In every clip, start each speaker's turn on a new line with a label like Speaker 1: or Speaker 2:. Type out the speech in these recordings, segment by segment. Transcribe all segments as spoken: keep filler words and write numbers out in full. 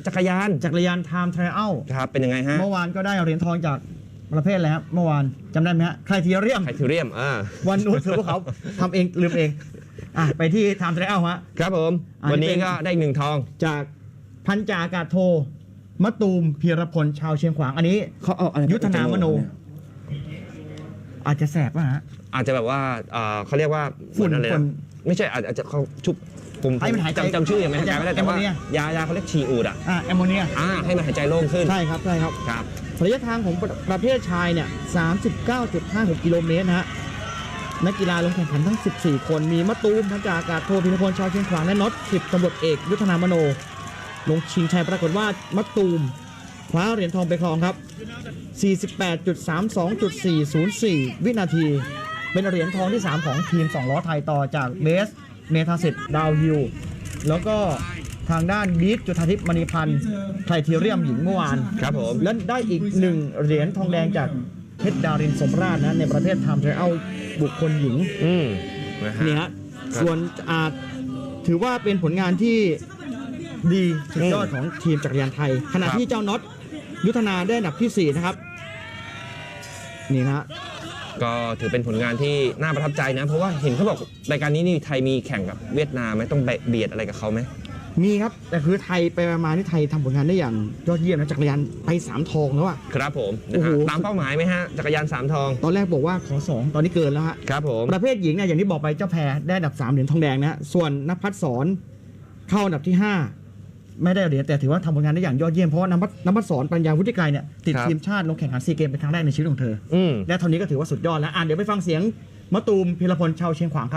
Speaker 1: จักรยาน
Speaker 2: จักรยานไทม์ไทรอัล
Speaker 1: ครับเป็นยังไงฮะ
Speaker 2: เมื่อวานก็ได้เหรียญทองจากประเภทอะไรครับเมื่อวานจำได้ไหมฮะไครทีเรียม
Speaker 1: ไครทีเรียมอ่า
Speaker 2: วันนู้นคือพวกเขาทำเองลืมเองอ่ะไปที่ไทม์ไทรอัลฮะ
Speaker 1: ครับผมวันนี้ก็ได้หนึ่งทอง
Speaker 2: จากพันจ่าอากาศโทมะตูมพีรพลชาวเชียงขวางอันนี้
Speaker 1: เขาเอาอะไร
Speaker 2: ยุทธนามโนอาจจะแสบป่ะฮะ
Speaker 1: อาจจะแบบว่าเขาเรียกว่า
Speaker 2: ฝุ่น
Speaker 1: อะไรนะไม่ใช่อาจจะเขาชุบผมจำจำชื่อยังไม่ได้ไม่ได้แต่ว่ายายาเขาเรียกชีอูดอ่ะ
Speaker 2: อ่าแอมโมเนีย
Speaker 1: อ่าให้มันหายใจโล่งขึ้น
Speaker 2: ใช่ครับใช่ครับ
Speaker 1: ครับ
Speaker 2: ระยะทางของประเภทชายเนี่ย สามสิบเก้าจุดห้าหก กิโลเมตรนะฮะนักกีฬาลงแข่งขันทั้งสิบสี่คนมีมะตูมพันจ่าอากาศโทพีรพลชาวเชียงขวางและน็อตสิบตำรวจเอกยุทธนามโนลงชิงชัยปรากฏว่ามะตูมคว้าเหรียญทองไปครองครับ สี่สิบแปดจุดสามสองจุดสี่ศูนย์สี่ วินาทีเป็นเหรียญทองที่สามของทีมสองล้อไทยต่อจากเบสเมธาสิทธิ์ดาวฮิลแล้วก็ทางด้านบีทจุธาทิพย์มณีพันธ์ไทรทีเรียมหญิงเมื่อวาน
Speaker 1: ครับผม
Speaker 2: และได้อีกหนึ่งเหรียญทองแดงจากเพชรดารินสมราชนะในประเภทไทม์ไทรอัลบุคคลหญิงนี่ฮะส่วนอาจถือว่าเป็นผลงานที่ดีสุดยอดของทีมจักรยานไทยขณะที่เจ้าน็อตยุทธนาได้อันดับที่สี่นะครับนี่นะ
Speaker 1: ก็ถือเป็นผลงานที่น่าประทับใจนะเพราะว่าเห็นเขาบอกรายการนี้นี่ไทยมีแข่งกับเวียดนามไหมต้องเบียดอะไรกับเขาไหม
Speaker 2: มีครับแต่คือไทยไปประมาณที่ไทยทำผลงานได้อย่างยอดเยี่ยมนะจักรยานไปสามทองแล้วอ่ะ
Speaker 1: ครับผมนะฮะตามเป้าหมายไหมฮะจักรยานสามทอง
Speaker 2: ตอนแรกบอกว่าขอสองตอนนี้เกินแล้วฮะ
Speaker 1: ครับผม
Speaker 2: ประเภทหญิงเนี่ยอย่างที่บอกไปเจ้าแพรได้อันดับสามเหรียญทองแดงนะส่วนนภัสสรเข้าอันดับที่ห้าไม่ได้เหรียญแต่ถือว่าทำผลงานได้อย่างยอดเยี่ยมเพราะว่านภัสนภัสสรปัญญาวุฒิไกรเนี่ยติดทีมชาติลงแข่งขันซีเกมเป็นครั้งแรกในชีวิตของเธอและเท่านี้ก็ถือว่าสุดยอดแล้วอ่านเดี๋ยวไปฟังเสียงมะตูมพีรพลชาวเชียงขวางครับ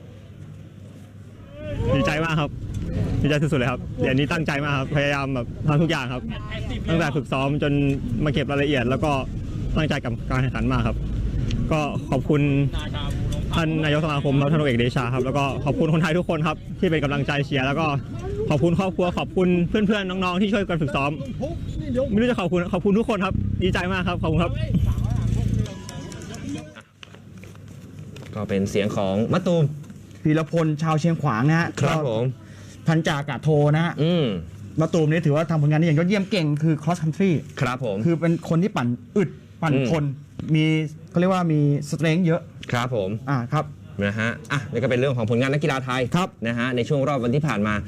Speaker 3: ดีใจมากครับดีใจสุดๆเลยครับเดี๋ยวนี้ตั้งใจมากครับพยายามแบบทำทุกอย่างครับตั้งแต่ฝึกซ้อมจนมาเก็บรายละเอียดแล้วก็ตั้งใจกับการแข่งขันมากครับก็ขอบคุณท่านนายกสมาคมท่านพลเอกเดชาครับแล้วก็ขอบคุณคนไทยทุกคนครับที่เป็นกำลังใจเชียร์แล้วก็ขอบคุณครอบครัวขอบคุณเพื่อนๆน้องๆที่ช่วยกันฝึกซ้อมไม่รู้จะขอบคุณขอบคุณทุกคนครับดีใจมากครับขอบคุณครับ
Speaker 1: ก็เป็นเสียงของมะตูม
Speaker 2: พีรพลชาวเชียงขวางนะฮะ
Speaker 1: ครับผม
Speaker 2: พันจ่าอากาศโทนะฮะ
Speaker 1: อืม
Speaker 2: มะตูมนี่ถือว่าทำผลงานได้อย่างยอดเยี่ยมเก่งคือ cross country
Speaker 1: ครับผม
Speaker 2: คือเป็นคนที่ปั่นอึดปั่นทนมีเขาเรียกว่ามีสเตรนท์เยอะ
Speaker 1: ครับผม
Speaker 2: อ่าครับ
Speaker 1: นะฮะอ่ะนี่ก็เป็นเรื่องของผลงานนักกีฬาไทย
Speaker 2: ครับ
Speaker 1: นะฮะในช่วงรอบวันที่ผ่านมา